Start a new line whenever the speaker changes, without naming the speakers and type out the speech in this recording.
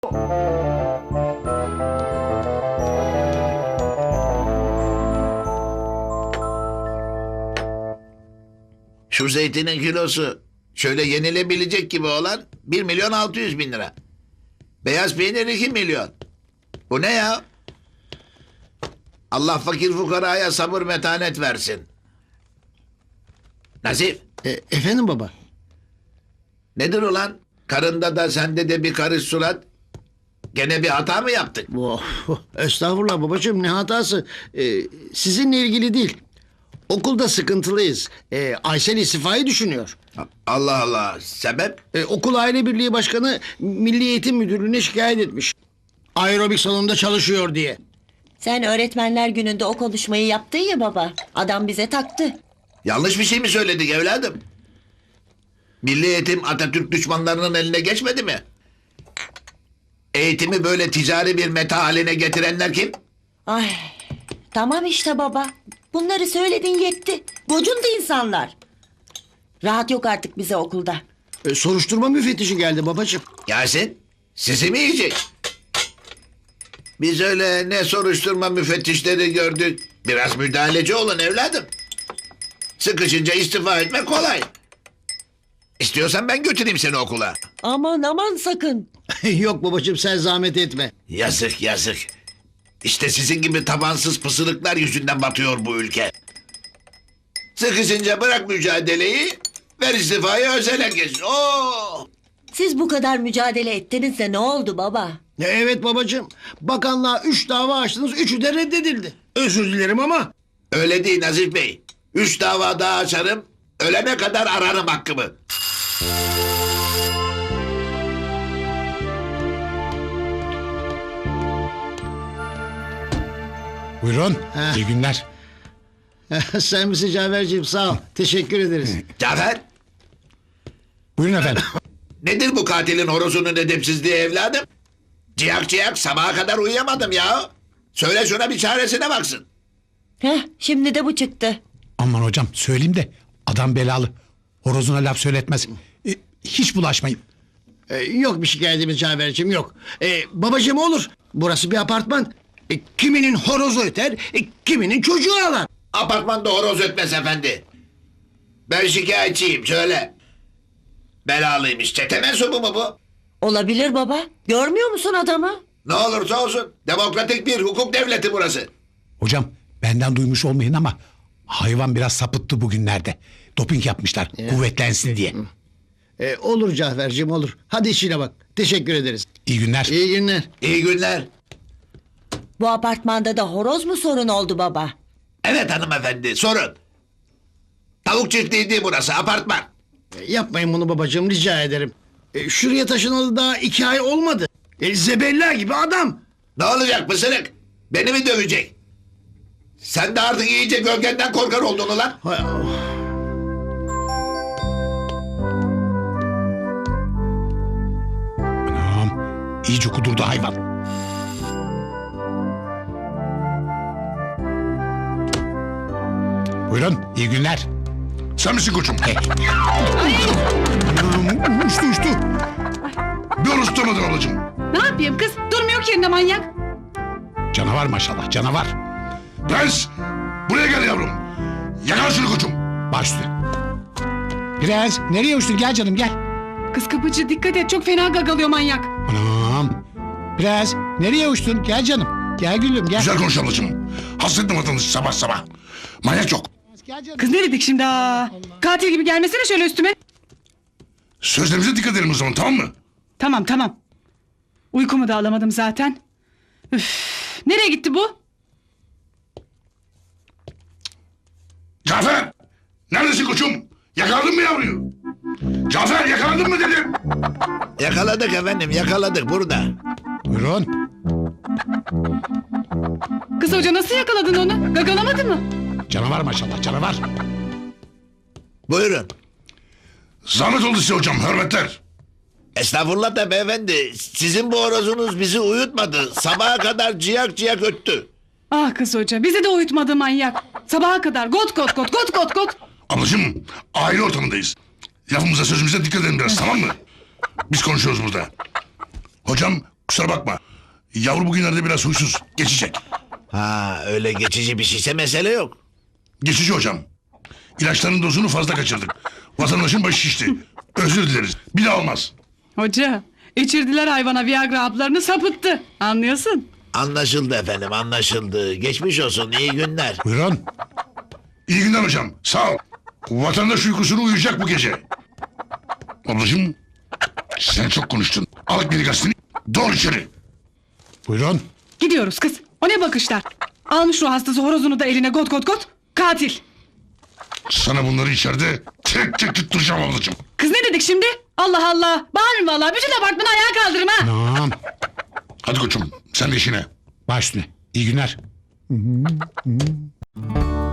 Şu zeytinin kilosu şöyle yenilebilecek gibi olan 1.600.000 lira. Beyaz peynir 2 milyon. Bu ne ya? Allah fakir fukaraya sabır metanet versin. Nazif,
Efendim baba?
nedir ulan? Karında da sende de bir karış surat. Gene bir hata mı yaptık?
Oh, estağfurullah babacığım, ne hatası? Sizinle ilgili değil. Okulda sıkıntılıyız. Aysel istifayı düşünüyor.
Allah Allah, sebep?
Okul aile birliği başkanı Milli Eğitim Müdürlüğü'ne şikayet etmiş. Aerobik salonunda çalışıyor diye.
Sen öğretmenler gününde o konuşmayı yaptın ya baba. Adam bize taktı.
Yanlış bir şey mi söyledik evladım? Milli eğitim Atatürk düşmanlarının eline geçmedi mi? Eğitimi böyle ticari bir meta haline getirenler kim?
Ay, tamam işte baba. Bunları söyledin yetti. Gocundu insanlar. Rahat yok artık bize okulda.
Soruşturma müfettişi geldi babacığım.
Yasin, sizi mi yiyecek? Biz öyle ne soruşturma müfettişleri gördük. Biraz müdahaleci olun evladım. Sıkışınca istifa etmek kolay. İstiyorsan ben götüreyim seni okula.
Aman aman sakın.
Yok babacığım, sen zahmet etme.
Yazık yazık. İşte sizin gibi tabansız pısırıklar yüzünden batıyor bu ülke. Sıkışınca bırak mücadeleyi, ver istifayı özel herkes. Oo!
Siz bu kadar mücadele ettiniz de ne oldu baba?
Evet babacığım. Bakanlığa 3 dava açtınız, 3'ü de reddedildi. Özür dilerim ama.
Öyle değil Nazif Bey. 3 dava daha açarım, ölene kadar ararım hakkımı.
Buyurun.
Heh.
İyi günler.
Sen misin Cafer'ciğim, sağ ol. Teşekkür ederiz.
Cafer,
Buyurun efendim.
nedir bu katilin horozunun edepsizliği evladım? Ciyak ciyak sabaha kadar uyuyamadım ya. Söyle şuna bir çaresine baksın.
Heh, şimdi de bu çıktı.
Aman hocam söyleyeyim de adam belalı. Horozuna laf söyletmez. Hiç bulaşmayın.
Yok bir şikayetimiz Cafer'ciğim, yok. Babacığım olur. Burası bir apartman. Kiminin horozu öter, kiminin çocuğu ağlar.
Apartmanda horoz ötmez efendi. Ben şikayetçiyim söyle. Belalıymış, çete mensubu mu bu?
Olabilir baba. Görmüyor musun adamı?
Ne olursa olsun demokratik bir hukuk devleti burası.
Hocam benden duymuş olmayın ama hayvan biraz sapıttı bugünlerde. Doping yapmışlar kuvvetlensin diye.
Olur Cafer'ciğim, olur. Hadi işine bak. Teşekkür ederiz.
İyi günler.
İyi günler.
İyi günler.
Bu apartmanda da horoz mu sorun oldu baba?
Evet hanımefendi sorun. Tavuk çiftliği değil burası apartman.
Yapmayın bunu babacığım, rica ederim. Şuraya taşınalı daha 2 ay olmadı. Zebella gibi adam.
Ne olacak pısırık? Beni mi dövecek? Sen de artık iyice gölgenden korkar oldun ulan.
Hay Allah.
Anam iyice kudurdu hayvan. Buyurun iyi günler.
Sen misin koçum?
Anam uçtu.
Bir oruç tutamadın ablacığım.
Ne yapayım kız? Durmuyor ki yerinde manyak.
Canavar maşallah canavar.
Prens! Buraya gel yavrum. Yakala şunu koçum.
Baş üstüne. Prens nereye uçtun gel canım gel.
Kız kapıcı dikkat et, çok fena gagalıyor manyak.
Anam. Prens nereye uçtun gel canım. Gel gülüm gel.
Güzel konuş ablacığım. Hasrettim vatandaşı sabah sabah. Manyak yok.
Gel canım.
Kız ne dedik şimdi ha? Katil gibi gelmesene şöyle üstüme.
Sözlerimize dikkat edelim o zaman, tamam mı?
Tamam. Uykumu da alamadım zaten. Üf. Nereye gitti bu?
Cafer! Neredesin koçum? Yakaladın mı yavruyu? Cafer yakaladın mı dedim.
Yakaladık efendim yakaladık burada.
Buyurun.
Kız hoca nasıl yakaladın onu? Gagalamadı mı?
Canavar maşallah canavar.
Buyurun.
Zahmet oldu size hocam, hürmetler.
Estağfurullah da beyefendi. Sizin bu horozunuz bizi uyutmadı. Sabaha kadar ciyak ciyak öttü.
Ah kız hoca, bizi de uyutmadı manyak. Sabaha kadar got.
Ablacığım, aile ortamındayız. Lafımıza sözümüze dikkat edelim biraz, tamam mı? Biz konuşuyoruz burada. Hocam Kusura bakma. Yavru bugünlerde biraz huysuz. Geçecek.
Ha öyle geçici bir şeyse mesele yok.
Geçici hocam. İlaçların dozunu fazla kaçırdık. Vatandaşın başı şişti. Özür dileriz. Bir daha olmaz.
Hoca içirdiler hayvana Viagra haplarını sapıttı. Anlıyorsun?
Anlaşıldı efendim anlaşıldı. Geçmiş olsun iyi günler.
Buyurun.
İyi günler hocam. Sağ ol. Vatandaş uykusunu uyuyacak bu gece. Ablacığım sen çok konuştun. Al beni gazeteni. Doğru içeri.
Buyurun.
Gidiyoruz kız. O ne bakışlar? Almış ruh hastası horozunu da eline got got got. Katil.
Sana bunları içeride tek tek tutturacağım ablacığım.
Kız ne dedik şimdi? Allah Allah. Bağırın vallahi. Bütün apartmanı ayağa kaldırırım ha.
Tamam.
Hadi koçum sen de işine.
Baş üstüne. İyi günler.